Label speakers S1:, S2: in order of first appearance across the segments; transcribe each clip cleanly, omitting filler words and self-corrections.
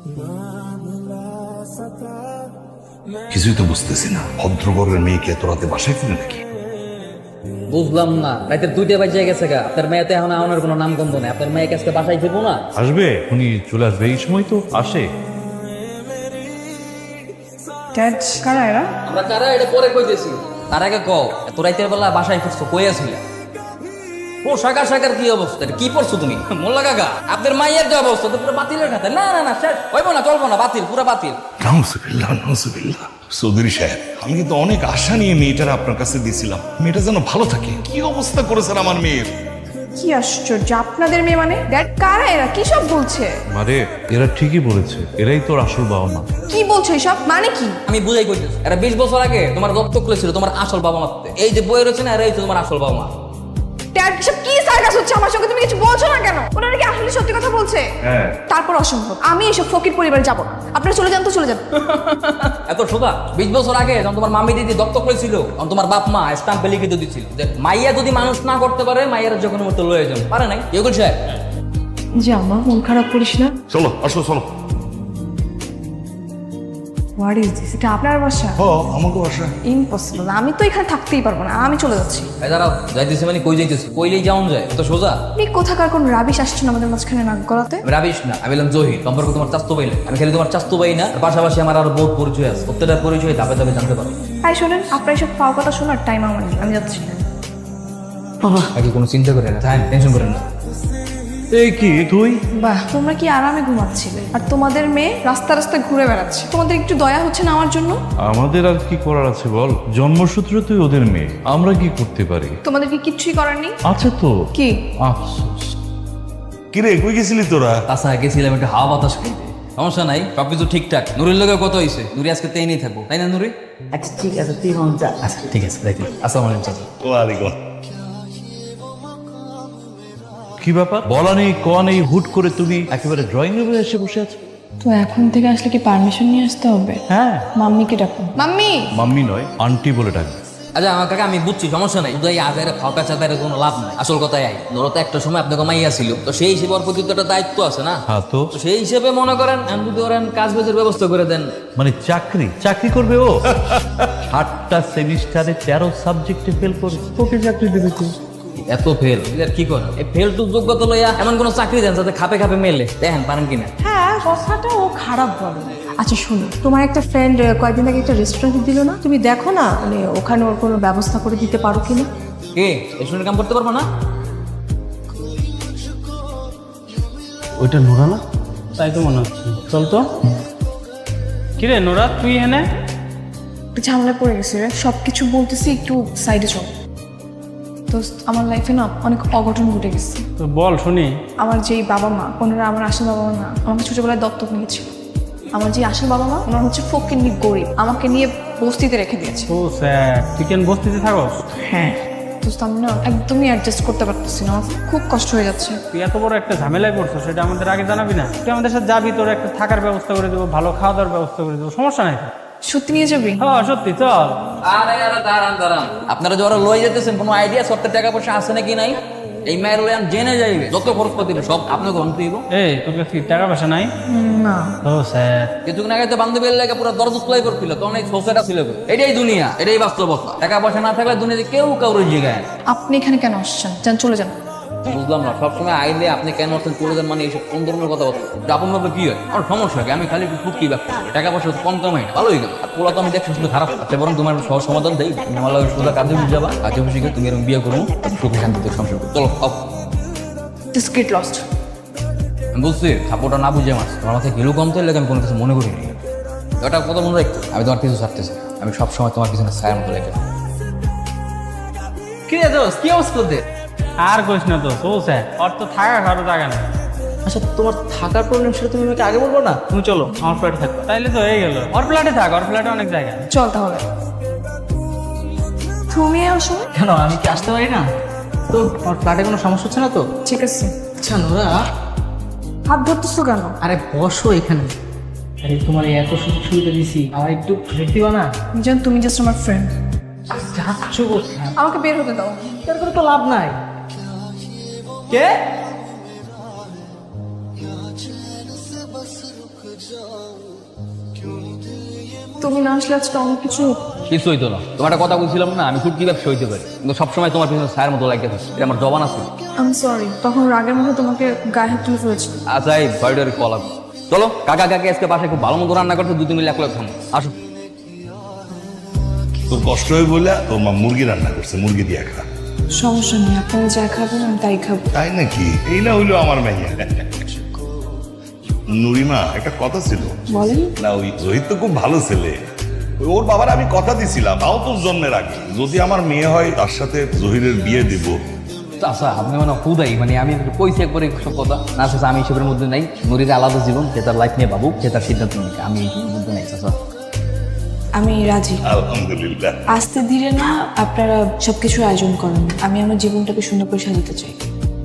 S1: কিছুই তো বুঝতেছি না, ভদ্রঘরের মেয়েকে এত রাতে বাসায় ফিরে নাকি?
S2: বুঝলাম না, রাতে 2টা বাজে গেছে গা। আপনার মেয়েতে এখন আমার কোনো নাম গন্ধ নেই। আপনার মেয়েকে আজকে বাসায় ফিরবো না?
S3: আসবে, উনি চলে আসবে, এই সময় তো আসে।
S4: ড্যাড, কারা এরা?
S2: আমরা কারা এটা পরে কইতেছি, তার আগে কও এত রাতের বেলা বাসায় ফিরছো, কই আছিলা? ও শাকার কি অবস্থা, এটা কি পড়ছো তুমি? মোল্লা কাকা, আপনার মাইয়ের যে অবস্থা তো পুরো বাতিলের খাতে। না না না, শেষ হইব না, চলবো না, বাতিল, পুরো বাতিল।
S1: নাউজুবিল্লাহ নাউজুবিল্লাহ। চৌধুরী সাহেব, আমি কিন্তু অনেক আশা নিয়ে মেয়েটার আপনার কাছে দিয়েছিলাম, মেয়েটা যেন ভালো থাকে। কি অবস্থা করেছেন আমার মেয়ের!
S4: কি আশ্চর্য, আপনাদের মেয়ে মানে? ড্যাড, কারা এরা? কি সব বলছে?
S3: মারে, এরা ঠিকই বলেছে, এরাই তোর আসল বাবা মা।
S4: কি বলছো এসব? মানে কি?
S2: আমি বুঝাই কইতেছি, এরা 20 বছর আগে তোমার দত্তক করেছিল তোমার আসল বাবা মাতে। এই যে বই রয়েছে না, এরাই তো তোমার আসল বাবা মা।
S4: ড্যাড, এসব কি সার্কাস হচ্ছে আমার সঙ্গে? তুমি কিছু বলছো না কেন? ওনারা কি আসলে সত্যি কথা বলছে?
S3: হ্যাঁ।
S4: তারপর অসম্ভব, আমি এসব ফকির পরিবারে যাব না। আপনারা চলে যান তো, চলে যান।
S2: এত সোজা? 20 বছর আগে যখন তোমার মামি দিদি দত্তক করেছিল, তখন তোমার বাপ মা স্টাম্পে লিখে দিয়েছিল যে মাইয়া যদি মানুষ না করতে পারে, মাইয়ার যখন মতো লয়ে যান। পারে নাই? কেউ বলছে?
S4: জামা, মন খারাপ করিস না।
S1: চলো, আসো চলো।
S4: What is this? এটা আপনার বাসা?
S1: হ, আমাকে বাসা।
S4: ইম্পসিবল, আমি তো এখানে থাকতেই পারবো না, আমি চলে যাচ্ছি।
S2: এই দাঁড়াও, যাইতেছি মানে কই যাইতেছি? কইলেই যাওন যায়? এত সোজা?
S4: আপনি কোথাকার কোন রাবিশ আসছেন আমাদের মাঝখানে নাক গলাতে?
S2: আমি রাবিশ না, আমি বললাম জহির। সম্পর্ক তোমার চাস্তু ভাই না, আমি খালি তোমার চাস্তু ভাই না, পাশাপাশি আমার আরো বহুত পরিচয় আছে। প্রত্যেকটা পরিচয় ধাপে ধাপে জানতে পারো।
S4: তাই শোনেন, আপনার এসব পাও কথা শোনার টাইম আমার নেই, আমি যাচ্ছি।
S2: আগে কোনো চিন্তা করে না, টেনশন করেন না।
S3: এই কি তুই?
S4: বাহ, তোমরা কি আরামে ঘুমাচ্ছিলে, আর তোমাদের মেয়ে রাস্তা রাস্তায় ঘুরে বেড়াচ্ছে। তোমাদের একটু দয়া হচ্ছে না আমার জন্য?
S3: আমাদের আর কি করার আছে বল? জন্মসূত্রে তুই ওদের মেয়ে, আমরা কি করতে পারি?
S4: তোমাদের কি কিচ্ছুই করার নেই?
S3: আছে তো।
S4: কি?
S3: আফসোস।
S1: কিরে, কই গেছিলি তোরা?
S2: তাছাড়া গেছিলাম একটু হাওয়া বাতাস খাইতে। সমস্যা নাই, সবকিছু ঠিকঠাক। নুরির লোকে কত হয়েছে? নুরি আজকে তেই নেই থাকবো, তাই না নুরি?
S5: আচ্ছা ঠিক আছে, তুই হন যা।
S2: আচ্ছা ঠিক আছে, রাইতে। আসসালামু আলাইকুম চাচা।
S1: ওয়ালাইকুম।
S3: কি ব্যাপার? বলা নেই, ক নেই, হুট করে তুমি একেবারে ড্রয়িং রুমে এসে বসে আছো।
S4: তো এখন থেকে আসলে কি পারমিশন নিয়ে আসতে হবে?
S3: হ্যাঁ।
S4: মাম্মিকে ডাকো। মাম্মি!
S3: মাম্মি নয়, আন্টি বলে ডাকবে।
S2: আচ্ছা আমার কাকা, আমি বুঝছি, সমস্যা নাই। উদয় আজারে ফাঁকা চাঁদারে কোনো লাভ নাই। আসল কথাই আই, ধরো তো একটা সময় আপনাকে মাইয়া ছিল, তো সেই হিসেবে ওর প্রতি তো একটা দায়িত্ব আছে না?
S3: হ্যাঁ তো।
S2: তো সেই হিসেবে মনে করেন যদি ওরেন কাজ বাজের ব্যবস্থা করে দেন।
S3: মানে চাকরি করবে ও? 8টা সেমিস্টারে 13 সাবজেক্টে ফেল করে তোকে চাকরি দেবে কি?
S2: এত ফেল কি করে? এই ফেল টু যোগ্যতা লইয়া এমন কোনো চাকরি দেন যাতে খাপে খাপে মেলে। দেখেন পারেন কিনা।
S4: হ্যাঁ, কথাটা ও খারাপ বলে। আচ্ছা শোনো, তোমার একটা ফ্রেন্ড কয়েকদিন আগে একটা রেস্টুরেন্ট দিল না? তুমি দেখো না, মানে ওখানে ওর কোনো ব্যবস্থা করে দিতে পারো কিনা?
S2: কে রেস্টুরেন্টে কাম করতে পারবো না?
S6: ওইটা নোরা না? তাই তো মনে হচ্ছে। চল তো। কিরে নোরা, তুই এনে?
S4: একটু ঝামেলায় পড়ে গেছি রে, সব কিছু বলতেছি, একটু সাইডে চল। তো আমার লাইফে না অনেক অঘটন ঘটে গেছে।
S6: তো বল শুনি।
S4: আমার যেই বাবা মা, ওনারা আমার আসল বাবা মা না, আমাকে ছোটবেলায় দত্তক নিয়েছিল। আমার যে আসল বাবা মা, ওনার হচ্ছে ফকিন্নি গরিব, আমাকে নিয়ে বস্তিতে রেখে দিয়েছে।
S6: ও স্যার, তুই কেন বস্তিতে থাকস?
S4: হ্যাঁ, তো আমি না একদমই অ্যাডজাস্ট করতে পারতেছি না, আমার খুব কষ্ট হয়ে যাচ্ছে।
S6: তুই এত বড় একটা ঝামেলায় পড়ছো, সেটা আমাদের আগে জানাবি না? তুই আমাদের সাথে যাবি, তোর একটা থাকার ব্যবস্থা করে দেবো, ভালো খাওয়া দাওয়ার ব্যবস্থা করে দেবো, সমস্যা নাই তো।
S4: সত্যি নিয়ে যাবি?
S6: হ্যাঁ সত্যি, চল।
S2: আরে আরে দাঁড়ান, আপনারা যারা লয়ে যেতেছেন কোনো আইডিয়া সত্য টাকা পয়সা আছে নাকি নাই? এই মায়ের লয়ান জেনে যাইবে, যত খরচ পাতি সব আপনাকে গ্রহণ দিব।
S6: এই তোর কাছে কি টাকা পয়সা নাই?
S4: না।
S6: ও স্যার,
S2: কিছুক্ষণ আগে তো বান্ধবীর লাগে পুরো দরজ খোলাই করছিল, তখন এই সোসাইটা ছিল। এটাই দুনিয়া, এটাই বাস্তবতা। টাকা পয়সা না থাকলে দুনিয়াতে কেউ কাউরে জিগায় না।
S4: আপনি এখানে কেন আসছেন? যান, চলে যান।
S2: বুঝলাম না, সবসময় আইলে আপনি কেন আসছেন চলে যান, মানে এইসব কোন ধরনের কথা বলছেন? আপন ভাবে কি হয়? আমার সমস্যা কি? আমি খালি একটু ফুটকি ব্যবসা করি, টাকা পয়সা কম কামাই না, ভালোই গেল। আর পোলা তো আমি দেখছি শুধু খারাপ। আচ্ছা বরং তোমার সহজ সমাধান দেই, তুমি আমার লাগে সোজা কাজে বুঝে যাবা, কাজে বুঝে গিয়ে তুমি এরকম বিয়ে করবো, সুখে শান্তিতে সংসার করবো। চলো আও।
S4: Just get lost.
S2: আমি বুঝছি সাপোর্টটা না বুঝে মাছ তোমার মাথায় গেলেও কম তো লাগে, আমি কোনো কিছু মনে করিনি। ওটা কথা মনে রাখতো, আমি তোমার কিছু ছাড়তেছি, আমি সবসময় তোমার পিছনে ছায়ার মতো লেগে। কি রে দোস্ত, কি অবস্থা তোদের?
S6: আর কইস না তো। ও স্যার, ওর তো থাকা কারো জায়গা নেই।
S5: আচ্ছা, তোমার থাকার প্রবলেম সেটা তুমি আমাকে আগে বলবো না? তুমি চলো আমার ফ্ল্যাটে থাকো।
S6: তাইলে তো হয়ে গেল। ওর ফ্ল্যাটে থাক, ওর ফ্ল্যাটে অনেক জায়গা।
S4: চল তাহলে। তুমি আসো।
S5: কেন, আমি কি আসতে পারি না? তো আমার ফ্ল্যাটে কোনো সমস্যা হচ্ছে না তো?
S4: ঠিক আছে।
S5: আচ্ছা নোরা,
S4: হাত ধরতেছো কেন?
S5: আরে বসো এখানে। আরে তোমার এই এত সুযোগ সুবিধা দিছি, আমার একটু ভেট দিবা না?
S4: জান, তুমি জাস্ট আমার ফ্রেন্ড,
S5: যাচ্ছ কোথায়?
S4: আমাকে বের হতে দাও।
S5: তার করে তো লাভ নাই। কে?
S4: তুমি না আসলে আজকে অনেক কিছু
S2: কিছু হইতো না, তোমার একটা কথা বলছিলাম না, আমি ফুটকি ব্যবসা হইতে পারি, কিন্তু সবসময় তোমার পিছনে ছায়ের মতো লাগে থাকে, এটা আমার জবান আছে।
S4: আমি সরি, তখন রাগের মধ্যে তোমাকে গায়ে হাত তুলে ফেলেছি।
S2: আচ্ছা এই বাড়িটার কল আসবে। চলো কাকা কাকি আজকে বাসায় খুব ভালো মতো রান্না করতে, দুই মিলে এক লাখ থামো, আসো।
S1: তোর কষ্ট হয়ে বলে তোর মা মুরগি রান্না করছে, মুরগি দিয়ে খা।
S4: সমস্যা নেই, আপনারা যা খাবেন আমি তাই খাবো।
S1: তাই নাকি? এই না হইলো আমার মাইয়া। নুরিমা, একটা কথা ছিল।
S4: বলেন।
S1: না, ওই রোহিত তো খুব ভালো ছেলে। ওর বাবার আমি কথা দিছিলাম, তাও তোর জন্মের আগে, যদি আমার মেয়ে হয় তার সাথে জহিরের বিয়ে দিব।
S2: আচ্ছা আপনি মানে হুদাই, মানে আমি কইছি একবারে সব কথা না, আচ্ছা আমি এসবের মধ্যে নাই। নুরির আলাদা জীবন, সে তার লাইফ নিয়ে ভাবুক, সে তার সিদ্ধান্ত নিক, আমি এইসবের মধ্যে নাই। আচ্ছা
S4: আমি রাজি।
S1: আলহামদুলিল্লাহ।
S4: আস্তে ধীরে না আপনারা সবকিছুর আয়োজন করেন, আমি আমার জীবনটাকে সুন্দর করে সাজাতে চাই।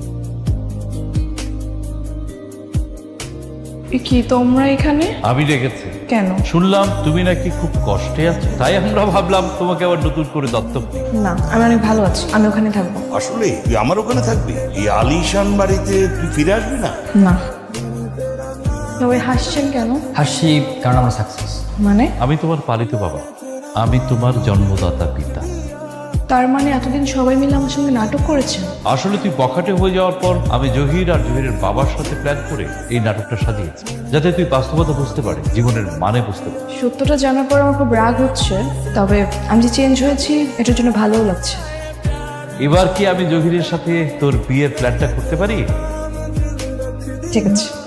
S4: কি তোমরা এখানে?
S3: আমি রেখেছি।
S4: কেন?
S3: শুনলাম তুমি নাকি খুব কষ্টে আছো, তাই আমরা ভাবলাম তোমাকে আবার নতুন করে দত্তক নিই।
S4: না, আমি অনেক ভালো আছি, আমি ওখানে থাকবো।
S1: আসলে তুই আমার ওখানে থাকবি? এই আলিশান বাড়িতে তুই ফিরে আসবি না?
S4: না। তবে হাসছেন কেন?
S2: হাসি কারণ আমার সাকসেস।
S4: মানে?
S3: আমি তোমার পালিত বাবা, আমি তোমার জন্মদাতা পিতা।
S4: তার মানে এতদিন সবাই মিলে আমার সঙ্গে নাটক করেছেন?
S3: আসলে তুই বখাটে হয়ে যাওয়ার পর আমি জহির আর জহিরের বাবার সাথে প্ল্যান করে এই নাটকটা সাজিয়েছি, যাতে তুই বাস্তবতা বুঝতে পারে, জীবনের মানে বুঝতে পারে।
S4: সত্যটা জানার পর আমার খুব রাগ হচ্ছে, তবে আমি যে চেঞ্জ হয়েছি এটার জন্য ভালোও লাগছে।
S3: এবার কি আমি জহিরের সাথে তোর বিয়ের প্ল্যানটা করতে পারি?
S4: ঠিক আছে।